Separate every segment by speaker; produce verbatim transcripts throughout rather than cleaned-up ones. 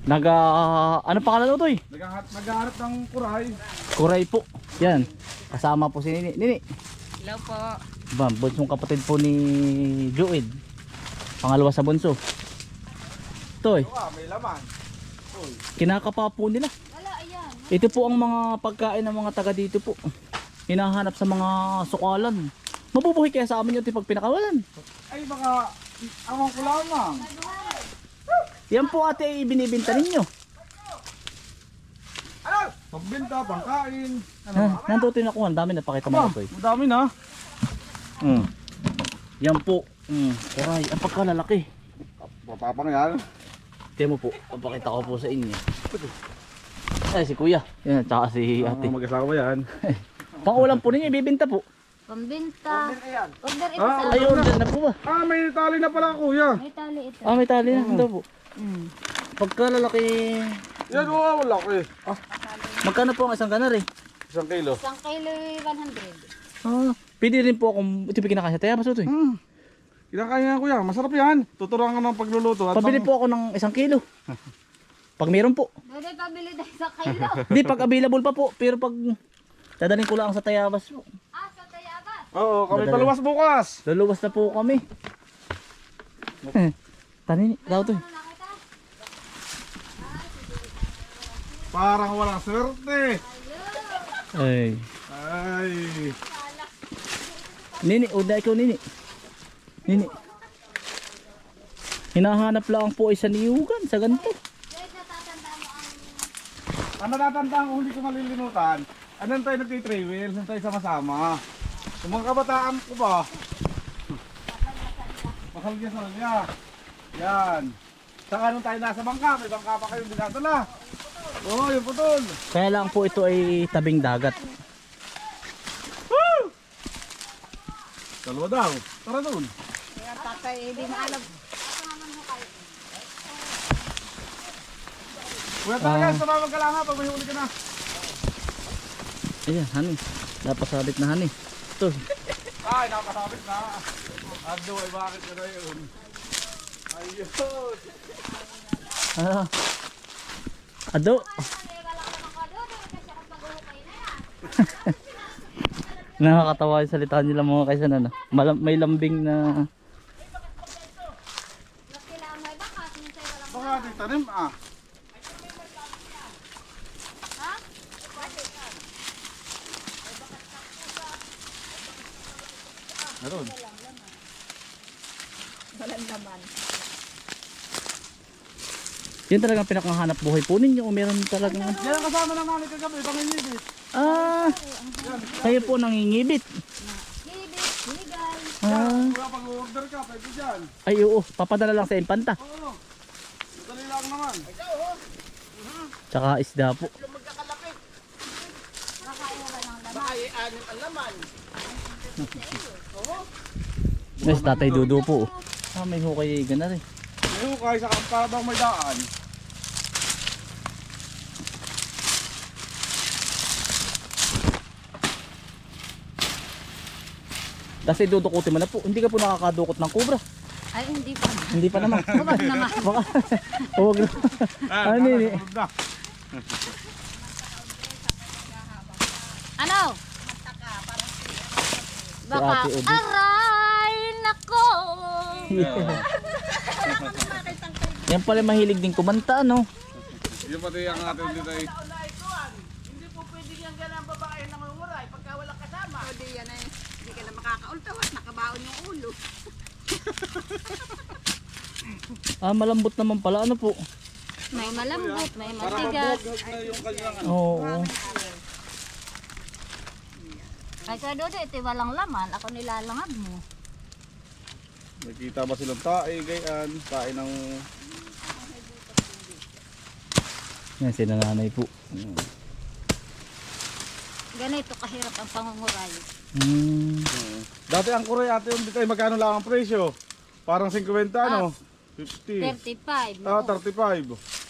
Speaker 1: Naga, ano pangalan mo to eh?
Speaker 2: Naghahanap, naghahanap ng kuray.
Speaker 1: Kuray po. Yan. Kasama po si Nini. Nini.
Speaker 3: Hello po.
Speaker 1: Ba, bunsong kapatid po ni Joed. Pangalawa sa bunso. Toy,
Speaker 2: Ah, may laman. Uy.
Speaker 1: kinakapa po nila.
Speaker 3: Wala, ayan.
Speaker 1: Ito po ang mga pagkain ng mga taga dito po. Hinahanap sa mga sukalan. Mabubuhay kaya sa amin yun pag pinakawalan.
Speaker 2: Ay baka, awang ko lamang.
Speaker 1: Yan po ate ay binibinta ninyo.
Speaker 2: Ano? Pagbenta, pangkain. Ano?
Speaker 1: Ha, nandoon na ko. Ang dami napakita mo
Speaker 2: Aba,
Speaker 1: ito eh.
Speaker 2: madami na.
Speaker 1: Mm. Yan po. Mm. Kuray, ang pagkalalaki.
Speaker 2: Papapang yan.
Speaker 1: Tiyan mo po, papakita ko po sa inyo. Ay, si kuya. Yan, tsaka si ate.
Speaker 2: Ang mag-asawa yan.
Speaker 1: Pangulam po ninyo, ibibinta po.
Speaker 3: Pambinta. Order ito
Speaker 2: Ah,
Speaker 3: sa...
Speaker 1: Ayun, dyan na po ba?
Speaker 2: Ah, may tali na pala kuya.
Speaker 3: May tali ito.
Speaker 1: Ah, may tali na. Ito po.
Speaker 3: Mm.
Speaker 1: Pagkalalaki.
Speaker 2: Yan, oh, wala ko eh.
Speaker 1: Magkano po ang isang kanar eh?
Speaker 2: Isang kilo.
Speaker 3: Isang kilo one hundred.
Speaker 1: Ah, pwede rin po akong ito pinakasya. Taya ba ito eh?
Speaker 2: Hmm. Kinakaya kuya, masarap yan. Tuturuan ka ng pagluluto. At
Speaker 1: Pabili
Speaker 2: pang-
Speaker 1: po ako ng isang kilo. Pag meron po.
Speaker 3: Dode, pabili tayo sa kilo.
Speaker 1: Hindi, pag available pa po. Pero pag dadaling ko lang sa Tayabas po.
Speaker 3: Ah, sa Tayabas.
Speaker 2: Oo, kami
Speaker 1: Madali.
Speaker 2: paluwas bukas.
Speaker 1: Luluwas na po kami. Eh, Tanin, daw to eh.
Speaker 3: Ano nakita?
Speaker 2: Parang walang swerte.
Speaker 1: Ay.
Speaker 2: Ay.
Speaker 1: Nini, uda ikaw nini. Nini. Hinahanap lang po isa niyugan sa ganito.
Speaker 3: Dode, natatanda mo ang...
Speaker 2: Ang natatandaan ko, hindi ko malilimutan. Anong tayo nagtitravel? Saan tayo sama-sama? Yung mga kabataan ko ba? Masalgya sa niya. Yan. Saka nung tayo nasa bangka, may bangka pa kayong dinadala. Oo, oh, yung putol.
Speaker 1: Kaya lang po ito ay tabing dagat.
Speaker 2: Dalawa daw. Tara doon.
Speaker 3: Kaya tatay, hindi na alam.
Speaker 2: Kuya tayo, tumawag ka lang ha pag may huli ka na.
Speaker 1: Ayan, hani. Napasabit na hani. Ito.
Speaker 2: Ay, nakakasabit na. Ado, ay bakit ka na yun? Ayun.
Speaker 1: Ah. Ado. Nakakatawa yung salita nila mga kaysan ano. Malam may lambing na
Speaker 2: Baka di tanim ah. Meron.
Speaker 3: Walang laman.
Speaker 1: yun talagang pinakahanap buhay po ninyo o meron talagang
Speaker 2: Yan ang kasama ng nanay kagabi, pangingibit.
Speaker 1: ah kayo po nangingibit.
Speaker 3: Gibit, legal.
Speaker 1: Ah,
Speaker 2: Kaya pag-order ka, pwede dyan.
Speaker 1: ay oo, papadala lang sa Infanta.
Speaker 2: Oo. Madali lang naman.
Speaker 1: Tsaka isda po. Yes, Tatay Dudu po. Ah, may hukay gana rin.
Speaker 2: Ngayon, kahit sa kampabang may daan.
Speaker 1: Kasi dudukutin mo na po. Hindi ka po nakakadukot ng kubra.
Speaker 3: Ay, hindi pa.
Speaker 1: Hindi pa naman.
Speaker 3: Huwag naman.
Speaker 1: Baka. Huwag na. Ano yun eh?
Speaker 2: Sunod na.
Speaker 3: Ano? Baka,
Speaker 1: Ate Odi.
Speaker 3: aray, nako.
Speaker 1: Yan pala mahilig din kumanta, no?
Speaker 2: Yung pati ang atin dito ay.
Speaker 4: Hindi po pwede yung ganang babae na manguray pagka walang kasama. Hindi yan eh. Hindi ka na makakaultawat, nakabaon yung ulo.
Speaker 1: Ah, malambot naman pala. Ano po?
Speaker 3: May malambot, may
Speaker 2: Para
Speaker 3: matigas.
Speaker 2: mabuhag na yung kanyang ano.
Speaker 1: Oo.
Speaker 3: Ay, sa Dodo, ito walang laman. Ako nilalangab mo.
Speaker 2: Nakita ba silang tae, gayan, tae ng...
Speaker 1: Yan, si nanay po.
Speaker 3: Ganito kahirap ang pangunguray.
Speaker 1: Hmm.
Speaker 2: Dati ang kuray ate yung dito ay magkano lang ang presyo? Parang fifty ano? fifty.
Speaker 3: thirty-five.
Speaker 2: Ah,
Speaker 3: Oo.
Speaker 2: thirty-five.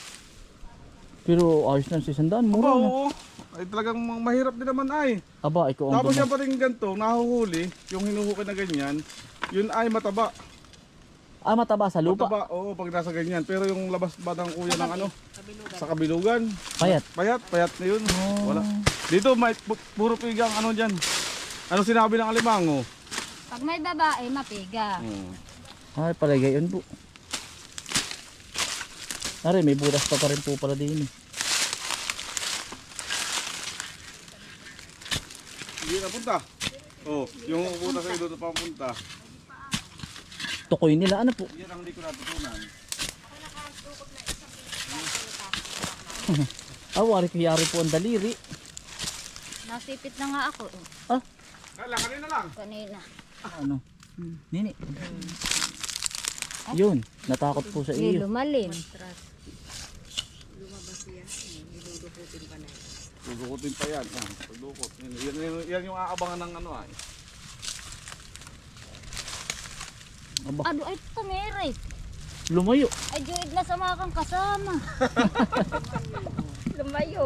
Speaker 1: Pero ayos na si Sandaan.
Speaker 2: Aba,
Speaker 1: Mura na.
Speaker 2: oo. Ay talagang mahirap din naman ay.
Speaker 1: Aba, ikaw ang
Speaker 2: Tapos
Speaker 1: gumag-
Speaker 2: yung pating ganito, nahuhuli, yung hinuhukay na ganyan, yun ay mataba.
Speaker 1: Ah, mataba sa lupa.
Speaker 2: Mataba, oo, pag nasa ganyan. Pero yung labas ba ng kuya ng ano? Sa kabilugan.
Speaker 1: Payat.
Speaker 2: Payat, payat na yun.
Speaker 1: Oh.
Speaker 2: Wala. Dito, may pu- puro pigang ano dyan. Ano sinabi ng alimango?
Speaker 3: Pag may babae, mapiga.
Speaker 2: Hmm.
Speaker 1: Ay, pala gayon po. Ari, may butas pa pa rin po pala din eh.
Speaker 2: Hindi na punta. Oh, yung pupunta sa doon pa punta.
Speaker 1: Tukoy nila, ano po?
Speaker 2: Yan ang hindi ko natutunan.
Speaker 1: Ah, wari kayari po ang daliri.
Speaker 3: Nasipit na nga ako. eh.
Speaker 1: Ah,
Speaker 2: Kala, kanina lang.
Speaker 3: Kanina.
Speaker 1: ano? Nini. Yun, natakot po sa
Speaker 3: Hindi
Speaker 1: iyo.
Speaker 3: lumalim.
Speaker 2: Dudukutin pa yan. Ah, pagdukot. Yan, yan, yan, yan yung aabangan ng ano ay.
Speaker 1: Aba,
Speaker 3: Ano ay tumiris?
Speaker 1: lumayo.
Speaker 3: Ay juid na sa mga kang kasama. Lumayo.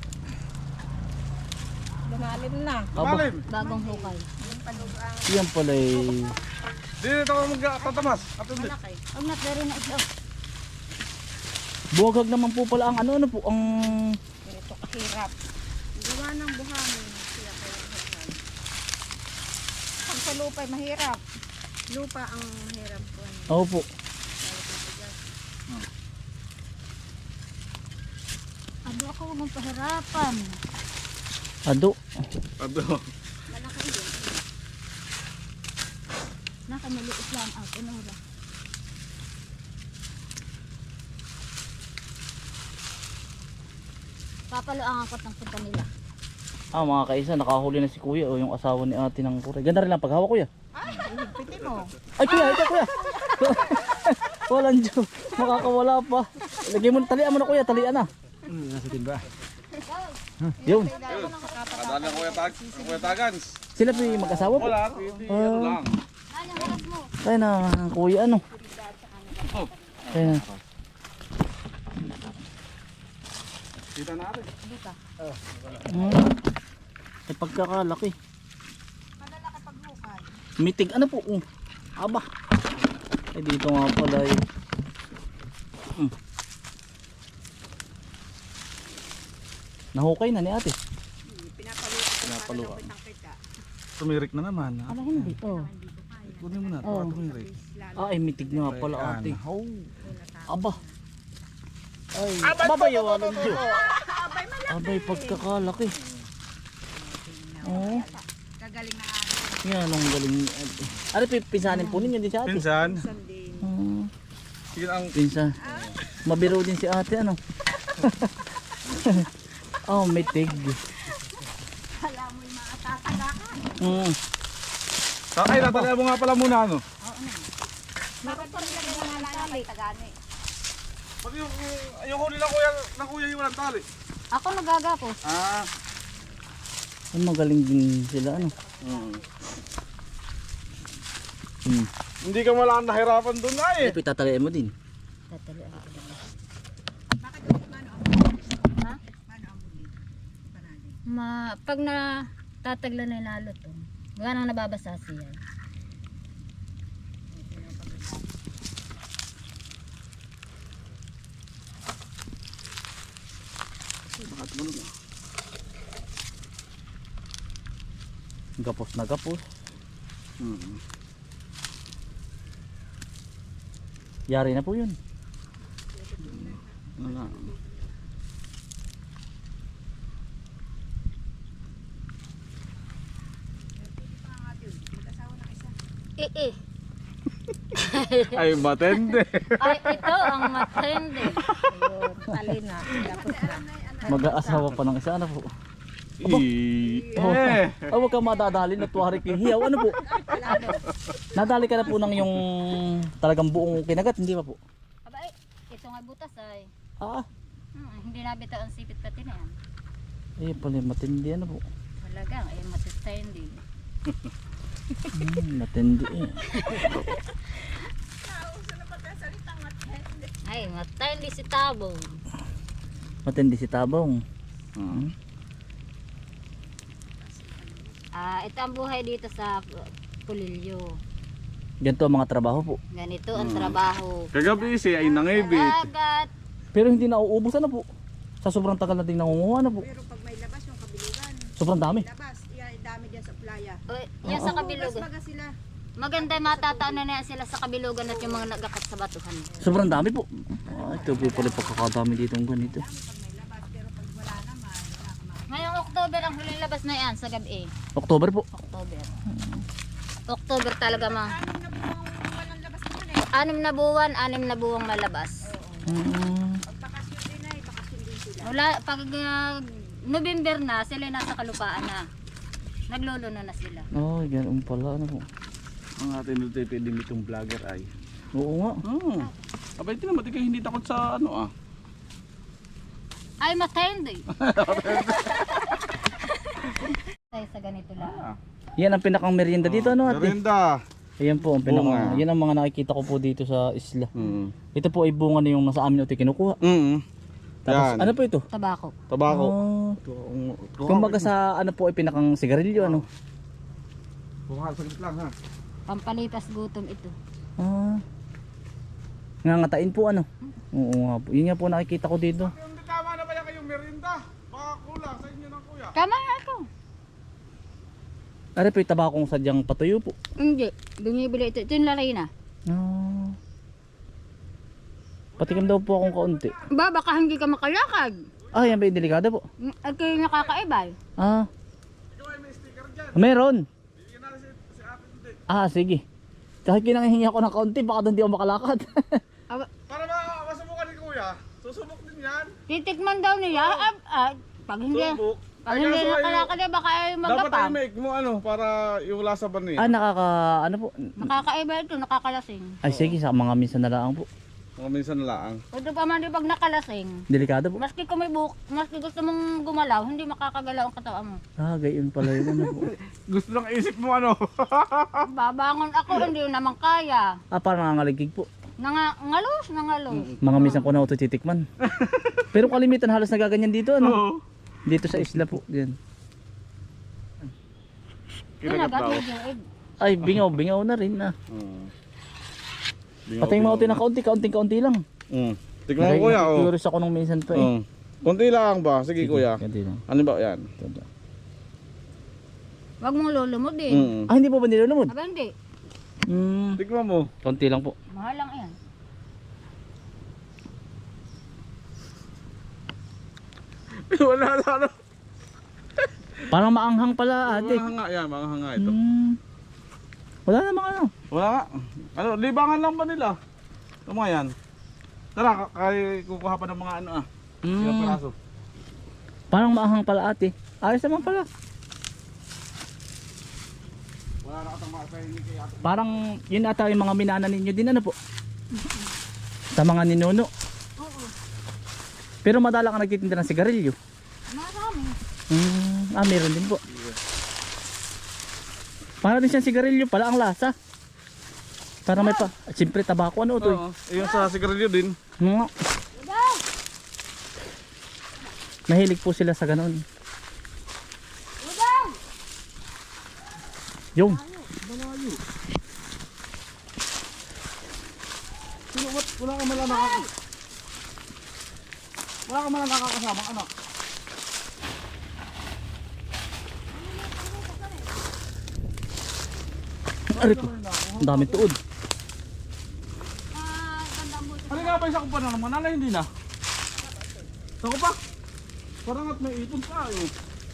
Speaker 3: Lumalim na.
Speaker 1: Aba,
Speaker 2: Malim!
Speaker 3: Bagong hukay.
Speaker 1: yan pala eh.
Speaker 2: Hindi na ako magtatamas. At hindi.
Speaker 3: Huwag na pero na ito.
Speaker 1: Buwagag naman po pala ang ano, ano po, ang...
Speaker 4: Ito kahirap. Gawa ng buhangin. Kaya kaya mahirap. Pag sa lupa ay mahirap. Lupa ang mahirap po.
Speaker 1: Oo po.
Speaker 3: Ano ako mong pahirapan?
Speaker 1: Ado.
Speaker 2: Ado.
Speaker 3: Nakamaliit lang ako. Nora. Papaluangan ko ng punta nila.
Speaker 1: Ah, mga kaisa, nakahuli na si kuya o yung asawa ni ate ng kuray. Ganda rin lang paghawak kuya.
Speaker 4: Ay, higpitin mo.
Speaker 1: Ay kuya, ito kuya. Walang joke. Makakawala pa. Lagay mo, talian mo na kuya, talian na. Nasa timba. Yun.
Speaker 2: Kadaan ng kuya, tag, kuya Tagans.
Speaker 1: Sila po yung mag-asawa po.
Speaker 2: Wala, hindi. Ano lang.
Speaker 3: Ay, ang oras mo.
Speaker 1: Kaya na, kuya ano.
Speaker 2: Oh,
Speaker 1: Kaya na.
Speaker 2: kita natin.
Speaker 1: Hmm. Ay pagkakalaki. Mitig ano po? Oh. Aba. Ay dito nga pala eh. Hmm. Nahukay na ni ate.
Speaker 2: Pinapaluan. Tumirik na naman. Ha?
Speaker 1: Ano hindi? Oh.
Speaker 2: Kunin mo na.
Speaker 1: Oh.
Speaker 2: Oh. Tumirik.
Speaker 1: Ah, ay mitig nga pala ate.
Speaker 2: Oh.
Speaker 1: Aba. Ay, babayaw ang Diyos. Abay, pagkakalaki. Oo.
Speaker 4: Gagaling na ate.
Speaker 1: Yan ang galing ni ate. Ano, pinsanin po ninyo din si ate?
Speaker 2: Pinsan.
Speaker 1: Hmm.
Speaker 2: Sige ang
Speaker 1: Pinsa. Mabiro din si ate, ano? Oh, may tig.
Speaker 4: Kala mo yung mga tatagakan.
Speaker 1: Mm.
Speaker 2: Ay, natala mo nga pala muna ano.
Speaker 4: Bakit pa rin lang mga lalaki tagani?
Speaker 2: Pati yung, yung huli ng kuya, ng kuya yung walang tali.
Speaker 3: Ako nagagapos.
Speaker 2: Ah.
Speaker 1: Ay, magaling din sila, ano?
Speaker 2: Mm.
Speaker 1: Hmm.
Speaker 2: Hindi ka malang nahirapan doon na eh.
Speaker 1: Ay, pitatalian mo din.
Speaker 3: Tatalian ko din.
Speaker 4: Bakit yung mano ang buli?
Speaker 3: Ha?
Speaker 4: Mano ang buli? Panali.
Speaker 3: Ma, pag na tatagla na yung lalo to, gawa nang nababasa siya.
Speaker 1: Gapos na gapos.
Speaker 2: Mm.
Speaker 1: Yari na po yun.
Speaker 2: Ano?
Speaker 3: Eh eh.
Speaker 2: Ay, matende.
Speaker 3: Ay, ito ang matindi. Ayun, tali na. Tapos na.
Speaker 1: Mag-aasawa pa ng isa, ano po?
Speaker 2: I-
Speaker 1: Oh,
Speaker 2: eh.
Speaker 1: oh, wag kang madadali na tuwari kay hiyaw. Ano po? Nadali ka na po ng yung talagang buong kinagat, hindi pa po?
Speaker 3: Aba eh, ito nga butas ay.
Speaker 1: Ah,
Speaker 3: Hmm, hindi nabitaw ang sipit pati na yan.
Speaker 1: eh pala matindi ano po.
Speaker 3: Talagang, ay matindi.
Speaker 1: Hmm, matindi eh.
Speaker 3: Ay, matindi si Tabong.
Speaker 1: Matindi si Tabong.
Speaker 2: Hmm.
Speaker 3: Ah, ito ang buhay dito sa Pulilyo.
Speaker 1: Ganito ang mga trabaho po.
Speaker 3: Ganito ang trabaho.
Speaker 2: Kagabi siya ay nangibit.
Speaker 3: Dagat.
Speaker 1: Pero hindi nauubos na po. Sa sobrang tagal nating nangunguha na po.
Speaker 4: Pero pag may labas yung kabilugan,
Speaker 1: Sobrang dami.
Speaker 4: labas, yan, dami dyan sa playa.
Speaker 3: O, yan sa
Speaker 4: Bukas
Speaker 3: kabilugan.
Speaker 4: baga sila.
Speaker 3: Maganda matatao na na sila sa kabilugan at yung mga nagakat sa batuhan.
Speaker 1: Sobrang dami po. Ah, ito po pala pagkakadami dito ng ganito.
Speaker 3: Ngayong October ang huling labas na yan sa gabi.
Speaker 1: October po.
Speaker 3: October. October talaga ma.
Speaker 4: Walang labas naman eh.
Speaker 3: Anim na buwan, anim na buwang malabas.
Speaker 1: Mm.
Speaker 4: Pag bakasyon din ay, bakasyon din sila.
Speaker 3: Wala, pag uh, November na, sila nasa kalupaan na. Nagluluno na sila.
Speaker 1: Oh, ganun pala. Ano po.
Speaker 2: Ang ating dito pwedeng itong vlogger ay.
Speaker 1: Oo nga.
Speaker 2: Hmm. Abay, tinan mo, di kayo hindi takot sa ano ah.
Speaker 3: Ay, matindi. Tayo sa ganito lang.
Speaker 2: Ah.
Speaker 1: Yan ang pinakang merienda dito, ano ate?
Speaker 2: Merinda.
Speaker 1: Ayan po, ang pinaka,
Speaker 2: Bunga.
Speaker 1: yan ang mga nakikita ko po dito sa isla.
Speaker 2: Hmm.
Speaker 1: Ito po ay bunga na yung nasa amin ito kinukuha.
Speaker 2: Mm.
Speaker 1: Tapos,
Speaker 2: Yan.
Speaker 1: ano po ito?
Speaker 3: Tabako.
Speaker 2: Tabako.
Speaker 1: Oh. Kumbaga sa ano po ay pinakang sigarilyo, ano?
Speaker 2: Bukas saglit lang ha.
Speaker 3: Pampalitas gutom ito.
Speaker 1: Ah. Ngangatain po, ano? Oo nga po. Yun nga po nakikita ko dito.
Speaker 2: Yung tama na ba yan kayong merinda? Baka kulang sa inyo ng kuya.
Speaker 3: Tama nga ito.
Speaker 1: Ano po yung tabakong sadyang patuyo po?
Speaker 3: Hindi. Bumibili ito. Ito yung lalay na.
Speaker 1: Ah. Patikim daw po akong kaunti.
Speaker 3: Ba, baka hindi ka makalakad.
Speaker 1: Ah, yan ba yung delikado po?
Speaker 3: At kayo nakakaibay.
Speaker 1: Ah.
Speaker 2: Ikaw ay may sticker dyan.
Speaker 1: Meron.
Speaker 2: Bigyan natin si, si ate hindi.
Speaker 1: Ah, sige. Kahit kinanghihingi ako ng kaunti, baka doon di ako makalakad.
Speaker 3: Aba,
Speaker 2: Para ma masubukan ni kuya. Susubok din yan.
Speaker 3: titikman daw niya. Ah, ah, pag hindi,
Speaker 2: Subok.
Speaker 3: pag
Speaker 2: Ay,
Speaker 3: hindi
Speaker 2: kaso ay-
Speaker 3: nakalakad eh, baka ay
Speaker 2: Dapat ay
Speaker 3: magapang.
Speaker 2: make mo ano para yung lasa ba niya.
Speaker 1: ah, nakaka... ano po?
Speaker 3: Nakakaiba ito, nakakalasing.
Speaker 1: Ay, sige, sa mga minsan na lang po.
Speaker 2: Mga minsan na lang.
Speaker 3: Ito pa man di pag nakalasing.
Speaker 1: Delikado po.
Speaker 3: Maski kung may buhok, maski gusto mong gumalaw, hindi makakagalaw ang katawan mo.
Speaker 1: Ah, gayon pala yun. Ano po?
Speaker 2: Gusto lang isip mo ano.
Speaker 3: Babangon ako, hindi naman kaya.
Speaker 1: Ah, parang nangangaligig po.
Speaker 3: Nanga, ngalos, nangalos.
Speaker 1: Mga minsan ko na ito titikman. Pero kalimitan halos nagaganyan dito, ano?
Speaker 2: Oo.
Speaker 1: Dito sa isla po. Yan.
Speaker 2: Kinagat daw.
Speaker 1: Ay, bingaw, bingaw na rin na.
Speaker 2: Mm.
Speaker 1: Pati yung mga utoy na kaunti, kaunting-kaunti lang.
Speaker 2: Mm. Tignan mo kuya oh.
Speaker 1: Curious ako nung minsan pa eh.
Speaker 2: Mm. Konti lang ba? Sige, kuya.
Speaker 1: Kaunti lang.
Speaker 2: Ano ba yan?
Speaker 1: Ito.
Speaker 3: Wag mong lulumod eh.
Speaker 2: Mm.
Speaker 1: Ah, hindi po ba nilulumod?
Speaker 3: Aba hindi,
Speaker 1: Hmm,
Speaker 2: Tignan mo.
Speaker 1: kaunti lang po.
Speaker 3: mahal lang yan.
Speaker 2: Wala na ano.
Speaker 1: Parang maanghang pala ate.
Speaker 2: Mga hanga yan, mga hanga ito.
Speaker 1: Hmm. Wala namang ano.
Speaker 2: Wala nga. Ano, libangan lang ba nila? Ito mga yan. Tara, k- kaya kukuha pa ng mga ano ah. Ilang
Speaker 1: Hmm.
Speaker 2: piraso.
Speaker 1: Parang maanghang pala ate. Ayos naman pala.
Speaker 2: Wala na katang mga kainin kay ate.
Speaker 1: Parang yun ata yung mga minana ninyo din ano po. Sa mga ninuno.
Speaker 3: Oo,
Speaker 1: Pero madala ka nagtitinda ng sigarilyo.
Speaker 3: marami.
Speaker 1: Hmm. Ah, meron din po. Para din siyang sigarilyo pala ang lasa. Para may pa. Siyempre tabako ano to.
Speaker 2: Oo. Eh, yung sa sigarilyo din.
Speaker 1: Mga. Mahilig po sila sa ganun. Yung.
Speaker 2: Sino, what? Wala ka malang nakaka... Wala ka malang nakakasama, anak.
Speaker 1: Ari po. Ang dami tuod.
Speaker 3: Ah, ganda mo.
Speaker 2: Ano nga ba isa ko pa na naman? Nala hindi na. Sa ko pa? Parang at may ipon pa eh.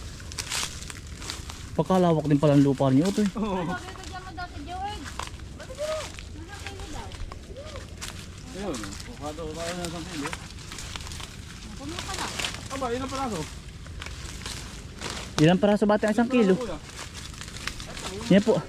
Speaker 1: Pagkalawak din pala ang lupa niyo to.
Speaker 2: Oo.
Speaker 3: Sabi ko dyan mo daw si George. Ba't ito? Nasakay mo daw.
Speaker 2: Ayun. Bukado tayo na isang kilo.
Speaker 3: Pumunta ka na.
Speaker 2: Aba, ilang piraso?
Speaker 1: Ilang paraso bata ang isang kilo?
Speaker 2: Kuya?
Speaker 1: Yan po.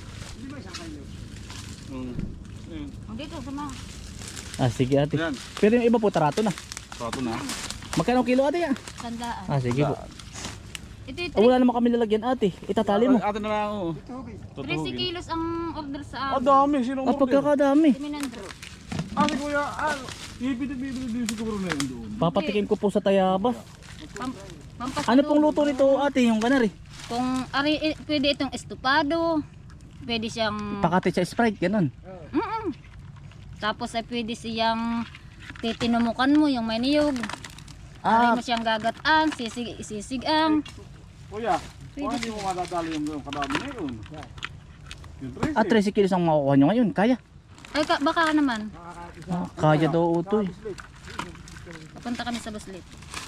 Speaker 2: Hmm. Ayun.
Speaker 3: Dito, sama.
Speaker 1: Ah, sige ate.
Speaker 2: Yan.
Speaker 1: Pero yung iba po tarato na.
Speaker 2: Sato na.
Speaker 1: Magkano ang kilo ate ya?
Speaker 3: Tandaan.
Speaker 1: Ah, sige po.
Speaker 3: Ito yung
Speaker 1: Oh, wala naman kami lalagyan ate. Itatali mo.
Speaker 2: Ate na lang oh.
Speaker 3: thirty kilos ang order sa
Speaker 2: Ah,
Speaker 3: amin.
Speaker 2: dami. Sinong
Speaker 1: Ah,
Speaker 2: order?
Speaker 1: pagkakadami.
Speaker 3: Si Minandro.
Speaker 2: Ah, si kuya. Ah, bibili-bili din siguro na yun doon.
Speaker 1: Papatikim ko po sa tayabas.
Speaker 3: Pam, pampasalubong.
Speaker 1: Ano pong luto nito ate? Yung kanari?
Speaker 3: Kung ari, eh, pwede itong estupado. pwede siyang
Speaker 1: Pakati sa Sprite, ganun.
Speaker 3: Mm-mm. Tapos ay pwede siyang titinumukan mo yung may niyog.
Speaker 1: Ah,
Speaker 3: Aray mo siyang gagataan, sisig, sisigang.
Speaker 2: Kuya,
Speaker 3: Pwede
Speaker 2: kung hindi mo madadali yung, yung kadami na yun. Yung trece.
Speaker 1: ah, thirty kilos ang makukuha nyo ngayon. Kaya.
Speaker 3: Ay, ka, baka naman.
Speaker 1: Ah, kaya daw utoy.
Speaker 3: Papunta kami sa Buslit.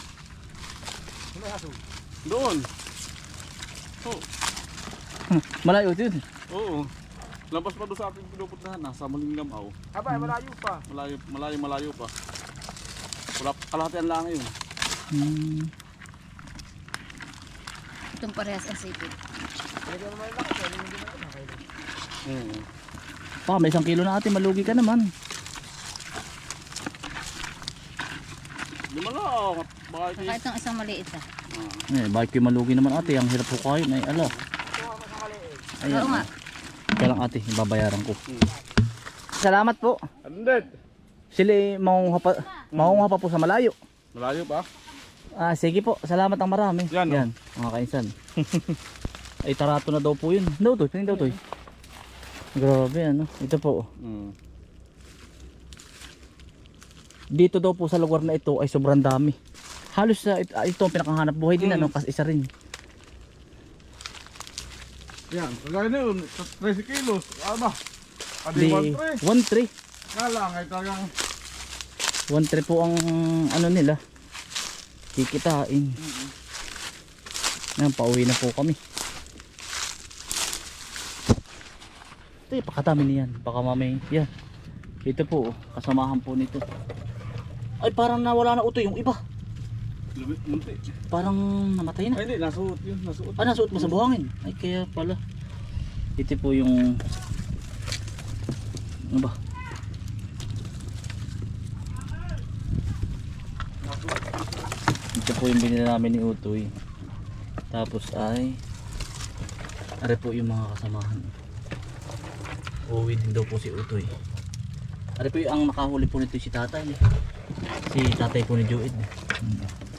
Speaker 2: Doon. Oh,
Speaker 1: Malayo yun.
Speaker 2: oo. Lampas pa doon sa ating pinupuntahan, nasa Malingamaw.
Speaker 5: Aba, malayo pa.
Speaker 2: Malayo, malayo, malayo pa. Wala, kalahatian lang yun.
Speaker 1: Hmm.
Speaker 3: Itong parehas ang sipit.
Speaker 2: Oo.
Speaker 1: Pa, may isang kilo na ate, malugi ka naman.
Speaker 2: Di mo lang, baka ito
Speaker 3: Saka itong isang maliit ah.
Speaker 1: Eh, bakit kayo malugi naman ate? Ang hirap ko kayo. Ay, ala. Ayan.
Speaker 3: Oo nga.
Speaker 1: Kaya lang ate, babayaran ko. Salamat po.
Speaker 2: Andit.
Speaker 1: Sila eh, maunguha pa, maunguha pa po sa malayo.
Speaker 2: Malayo pa?
Speaker 1: Ah, sige po. Salamat ang marami.
Speaker 2: Yan, oh.
Speaker 1: Yan mga kainsan. Ay, tarato na daw po yun. Daw to, tingin daw to. Grabe ano. Ito po.
Speaker 2: Mm.
Speaker 1: Dito daw po sa lugar na ito ay sobrang dami. Halos sa ito, ito ang pinakahanap buhay din
Speaker 2: Mm.
Speaker 1: ano, kasi isa rin.
Speaker 2: Yan, kagaya na yun, thirty kilos. Ano ba? Adi
Speaker 1: Di,
Speaker 2: one tray.
Speaker 1: one three.
Speaker 2: Nga lang, ay talagang
Speaker 1: one three po ang ano nila. Kikitain. Yan, pauwi na po kami. Ito yung pakatami niyan. Baka mamay, yan. Ito po, oh, kasamahan po nito. Ay, parang nawala na uto yung iba.
Speaker 2: lumit, munti.
Speaker 1: Parang namatay na.
Speaker 2: Ay, hindi, nasuot yun, nasuot.
Speaker 1: Ah, nasuot mo sa buhangin. Ay, kaya pala. Ito po yung... Ano ba? Ito po yung binila namin ni Utoy. Tapos ay... Are po yung mga kasamahan. Uuwi din daw po si Utoy. Are po yung ang nakahuli po nito si tatay. Si tatay po ni Joed. Hmm.